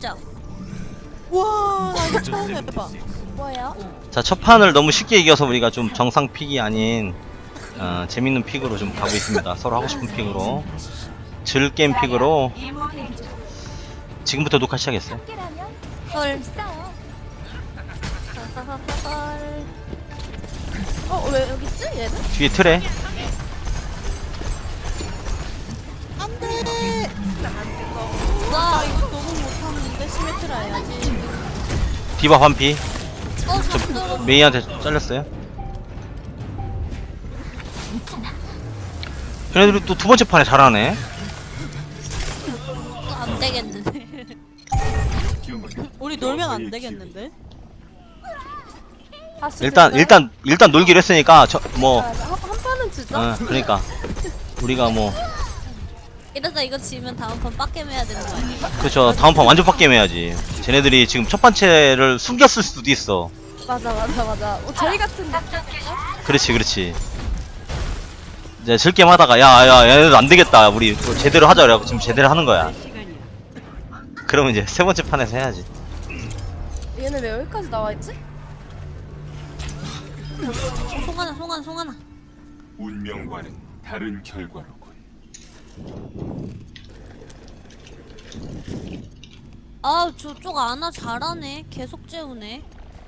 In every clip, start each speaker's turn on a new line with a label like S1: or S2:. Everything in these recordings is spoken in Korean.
S1: 진짜.
S2: 와, 나 이거 처음 해봐.
S1: 뭐예요?
S3: 자, 첫 판을 너무 쉽게 이겨서 우리가 좀 정상 픽이 아닌 재밌는 픽으로 좀 가고 있습니다. 서로 하고 싶은 픽으로, 즐겜 픽으로. 지금부터 녹화 시작했어요.
S1: 헐. 왜 여기 있지? 얘는?
S3: 뒤에 틀에
S2: 안돼.
S1: 와.
S2: 나 이거 너무 못하는데 시메트라 해야지.
S3: 디바 반피.
S1: 잠들어.
S3: 메이한테 잘렸어요. 걔네들이 또 두 번째 판에 잘하네.
S1: 안 되겠는데.
S2: 우리 놀면 안 되겠는데?
S3: 일단 놀기로 했으니까 뭐
S1: 한 판은 주죠.
S3: 그러니까 우리가 뭐
S1: 이러다 이거 지면 다음 판 빡겜 해야 되는 거 아니야?
S3: 그쵸, 다음 판 완전 빡게임 해야지. 쟤네들이 지금 첫 번째를 숨겼을 수도 있어.
S1: 맞아. 저희 같은 데.
S3: 그렇지. 이제 즐겜 하다가 야 얘네들 안 되겠다, 우리 뭐 제대로 하자 그래갖고 지금 제대로 하는 거야. 그러면 이제 세 번째 판에서 해야지.
S1: 얘는 왜 여기까지 나와 있지? 송하나.
S4: 운명과는 다른 결과로군.
S1: 아, 저쪽 아나 잘하네. 계속 재우네.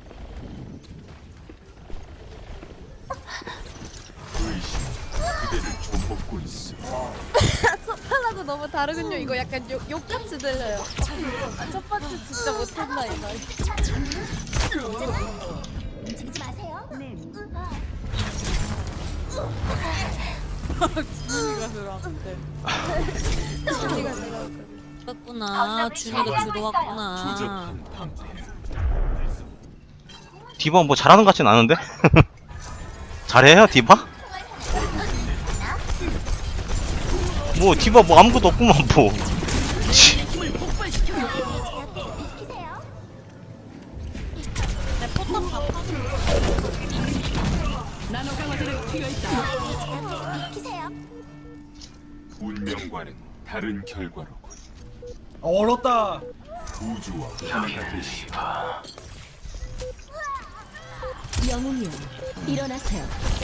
S4: 의심 그대를 좀 먹고 있어.
S1: 첫판하고 너무 다르군요. 이거 약간 욕같이 들려요. 첫 번째 진짜 못한다 이거.
S5: 움직이지 마세요.
S2: 준이가 들어왔는데.
S1: 그랬구나. 준이가 들어왔구나.
S4: 조잡한 방패.
S3: 디바 뭐 잘하는 것 같진 않은데? 잘해요 디바? 뭐 디바 뭐 아무것도 없구만 뭐. 치.
S2: 내 포탑 다
S5: 키세요.
S4: 운명과는 다른 결과로군.
S6: 얼었다.
S4: 우주와 하나가 되시다.
S5: 영웅이요. 일어나세요.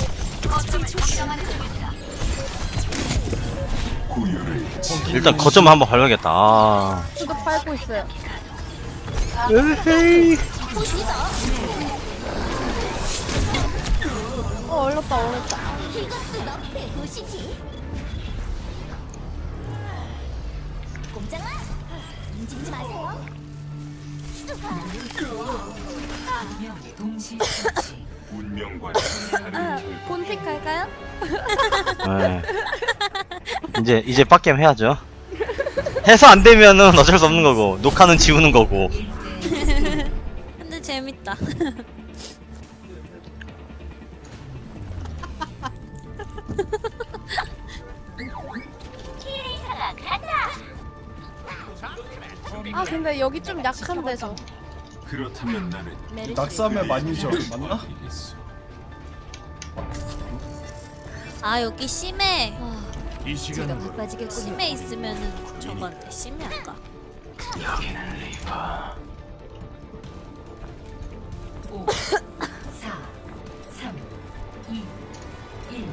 S4: 고유를
S3: 일단 거점 한번 밟아야겠다.
S1: 저도 밟고 있어요.
S3: 에헤이.
S1: 얼렸다.
S5: 이것도 너프에 보시지. 꼼짝마. 움직이지 마세요.
S4: 운명과는 다른 결과.
S1: 본픽 할까요?
S3: 네. 이제 빡겜 해야죠. 해서 안 되면은 어쩔 수 없는 거고, 녹화는 지우는 거고.
S1: 근데 재밌다. 아 근데 여기 좀 약한데 저.
S4: 그렇다면 나는
S6: 낙삼의 마니저 맞나?
S4: 이겠어.
S1: 아 여기 심해.
S4: 이 시간
S5: 바빠지겠군요.
S1: 심해 있으면은 저거한테 심해 할까?
S4: 여기는 리바.
S7: 5, 4, 3, 2, 1.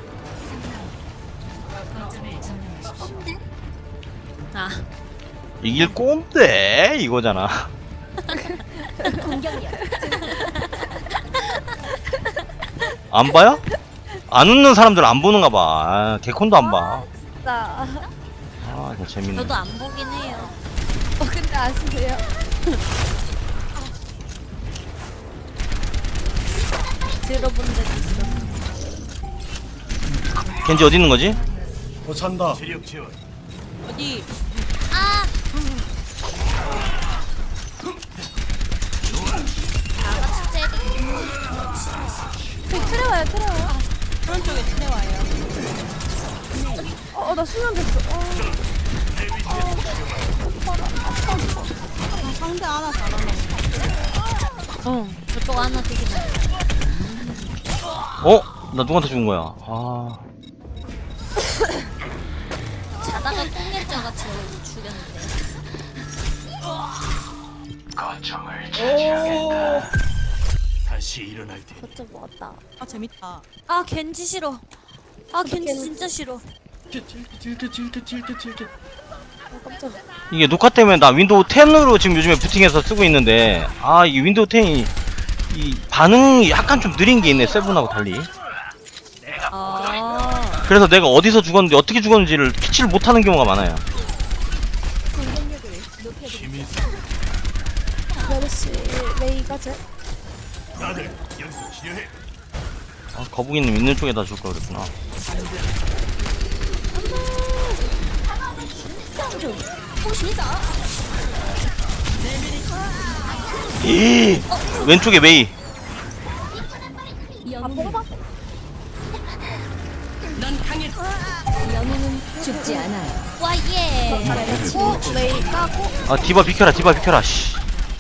S7: 거점을 점령하십시오.
S1: 아
S3: 이길 꼼데 이거잖아.
S5: 공격력.
S3: 안 봐요? 안 웃는 사람들 안 보는가 봐. 개콘도 안 봐.
S1: 진짜.
S3: 아, 이거 재밌네.
S1: 저도 안 보긴 해요. 근데 아시세요? 들어본 적 있어.
S3: 겐지 어디 있는 거지?
S6: 잔다.
S2: 어디?
S1: 아! 다 같이 쟤도 트레와요.
S2: 그런 쪽에 지내와요.
S1: 나 수면됐어.
S2: 상대 하나 잘하네.
S1: 저쪽 하나 되게 잘.
S3: 나 누구한테 준 거야? 아,
S1: 자다가 꽁일자가 저를 죽였는데.
S6: 오.
S4: 다시 일어날 테니
S1: 거점 먹었다.
S2: 아 재밌다.
S8: 아 겐지 싫어. 아 겐지 진짜 싫어.
S6: 찔찔찔찔찔찔찔찔.
S1: 깜짝.
S3: 이게 녹화 때문에 나 윈도우 10으로 지금 요즘에 부팅해서 쓰고 있는데 아 이 윈도우 10이 이 반응이 약간 좀 느린 게 있네 세븐하고 달리.
S8: 아
S3: 그래서 내가 어디서 죽었는지 어떻게 죽었는지를 캐치를 못하는 경우가 많아요.
S4: 힘이
S1: 메르시 메이가 제.
S4: 다들 여기서 치료해.
S3: 아, 거북이님 있는 쪽에다 줄 걸 그랬구나. 이 왼쪽에 메이.
S5: 영웅은 죽지 않아요.
S8: 와예.
S1: 메이 까고.
S3: 아 디바 비켜라 디바 비켜라 씨.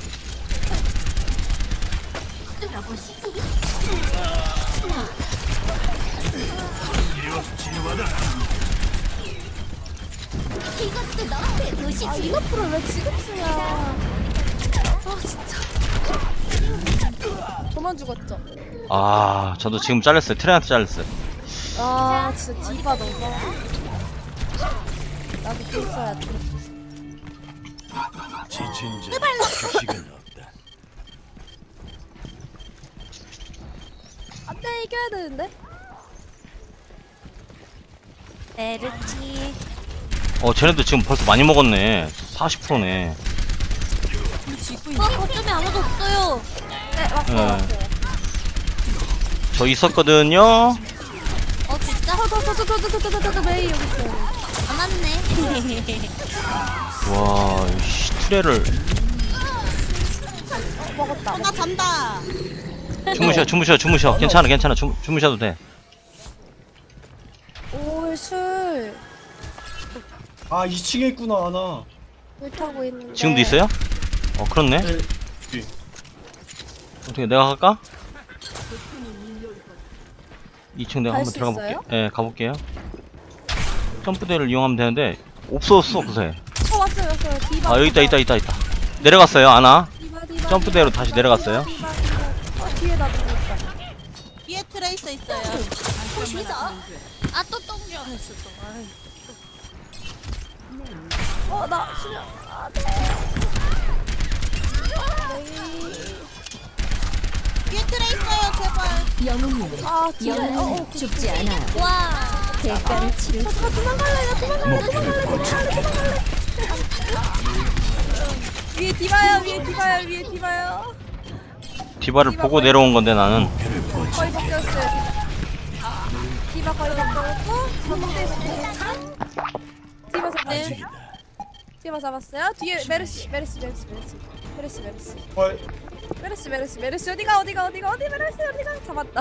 S5: 이것도 너프의 도시지.
S1: 아 이너프를 왜 지금 쓰냐. 아 진짜. 저만 죽었죠.
S3: 아 저도 지금 잘렸어요. 트레한테 잘렸어요.
S1: 아 진짜 디바 너무. 나도 또 있어야 돼.
S4: 지친 자 휴식은 없다.
S1: 안돼 이겨야 되는데.
S8: 메르치.
S3: 쟤네도 지금 벌써 많이 먹었네. 40%네.
S8: 거점에 아무도 없어요.
S1: 네 왔어요.
S3: 예.
S1: 왔어요.
S3: 저 있었거든요.
S8: 어 진짜?
S1: 저저저저저저저 메이 여기 있어요.
S8: 안 왔네.
S3: 와, 씨, 트레를
S1: 먹었다.
S2: 나 잔다.
S3: 주무셔. 괜찮아. 주무셔도 돼.
S1: 오 술.
S6: 아 2층에 있구나 하나.
S1: 물 타고 있는데.
S3: 지금도 있어요? 그렇네.
S6: 네. 뒤.
S3: 어떻게 내가 갈까? 2층 내가
S1: 갈
S3: 한번
S1: 수
S3: 들어가 볼게.
S1: 있어요?
S3: 예, 가볼게요. 점프대를 이용하면 되는데 없었어 그새.
S1: 왔어요. 디바.
S3: 아 여기 있다. 내려갔어요 아나.
S1: 디바.
S3: 점프대로 다시 내려갔어요.
S1: 디바. 뒤에 나 누구 있다.
S2: 뒤에 트레이서 있어요.
S8: 아또 똥겨 했어 또.
S1: 나 수면.
S2: 뒤에 트레이서요 제발.
S5: 영웅이
S1: 아 뒤에.
S5: 영웅은 죽지 않아요.
S8: 와.
S5: 대가를 치를
S1: 위에 디바요.
S3: 디바를 보고 내려온 건데 나는.
S1: 거의 바뀌었어요. 디바 거의 바뀌었고 디바 잡네. 디바 잡았어요. 뒤에 메르시.
S6: 헐.
S1: 메르시 어디가 메르시 어디가 잡았다.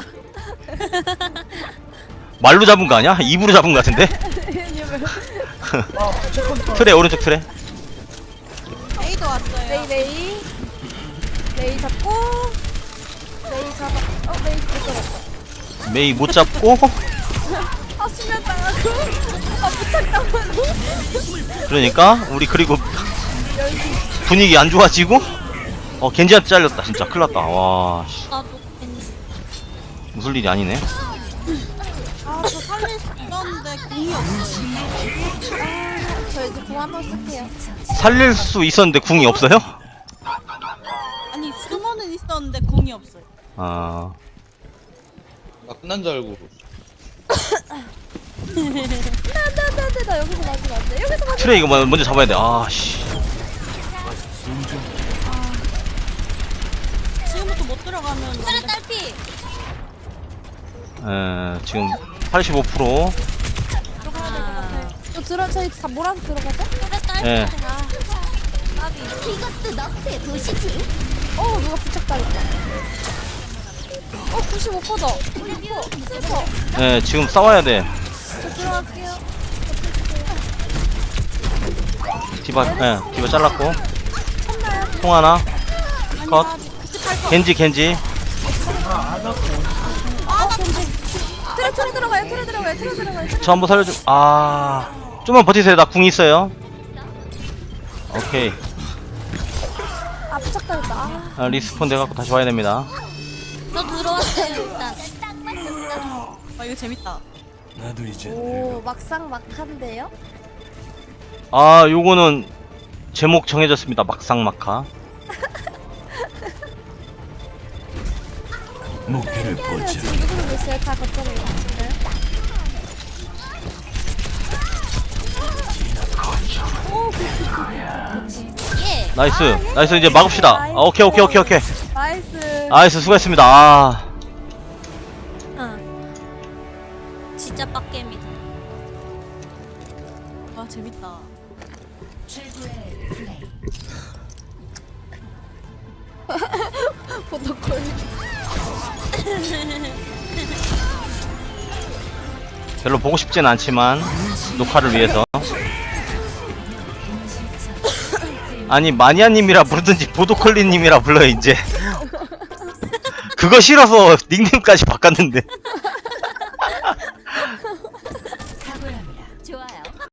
S3: 말로 잡은 거 아니야? 입으로 잡은 거 같은데?
S6: 아 무조건
S3: 트레 오른쪽 트레.
S2: 에이도 왔어요.
S1: 메이 잡고 메이 잡아. 메이 못 잡았어.
S3: 메이 못 잡고.
S1: 아 수면 당하고. 아 부착 당하고.
S3: 그러니까 우리 그리고 분위기 안 좋아지고. 겐지한테 잘렸다 진짜 큰일났다. 와 씨,
S8: 나도 겐지.
S3: 무슨 일이 아니네.
S2: 아저 살릴 수 있었는데 궁이 없어.
S1: 저 이제 공 한번 쓸게요.
S3: 살릴 수 있었는데 궁이 없어요?
S2: 아니 숨어는 있었는데 궁이 없어요.
S3: 아
S9: 나 끝난 줄 알고
S1: 안돼 나 여기서 맞으면 안돼. 여기서 맞으면
S3: 트레 이거 먼저 잡아야 돼. 아씨.
S2: 지금부터 못 들어가면
S8: 트레 딸피.
S3: 지금 85%.
S1: 저희 다 몰아서 들어가자.
S8: 트레 딸피.
S3: 예.
S5: 이것도 너프의 도시지.
S1: 누가 부착당했다. 95%다. 96%.
S3: 예, 지금 싸워야 돼.
S1: 저 들어갈게요.
S3: 디바 잘랐고. 통 하나. 컷. 겐지.
S1: 겐지. 트레 들어가요.
S3: 저 한번 살려줘. 좀만 버티세요. 나 궁 있어요. 오케이.
S1: 부착당했다.
S3: 아, 리스폰 돼갖고 다시 와야 됩니다.
S8: 저 들어왔어요 일단.
S2: 아 이거 재밌다.
S1: 오 막상 막한데요?
S3: 아, 요거는 제목 정해졌습니다. 막상막하.
S4: 목표를
S1: 지금 누구누구 있어요? 다 거점에 있을까요?
S8: 예.
S3: 나이스. 나이스. 이제 막읍시다. 아, 오케이.
S1: 나이스.
S3: 나이스. 수고했습니다. 아.
S8: 진짜 빡겜이다.
S2: 아 재밌다.
S7: 최고의 플레이.
S1: 포토콜.
S3: 별로 보고 싶진 않지만 녹화를 위해서. 아니 마니아님이라 부르든지 보도콜리님이라 불러요 이제. 그거 싫어서 닉네임까지 바꿨는데.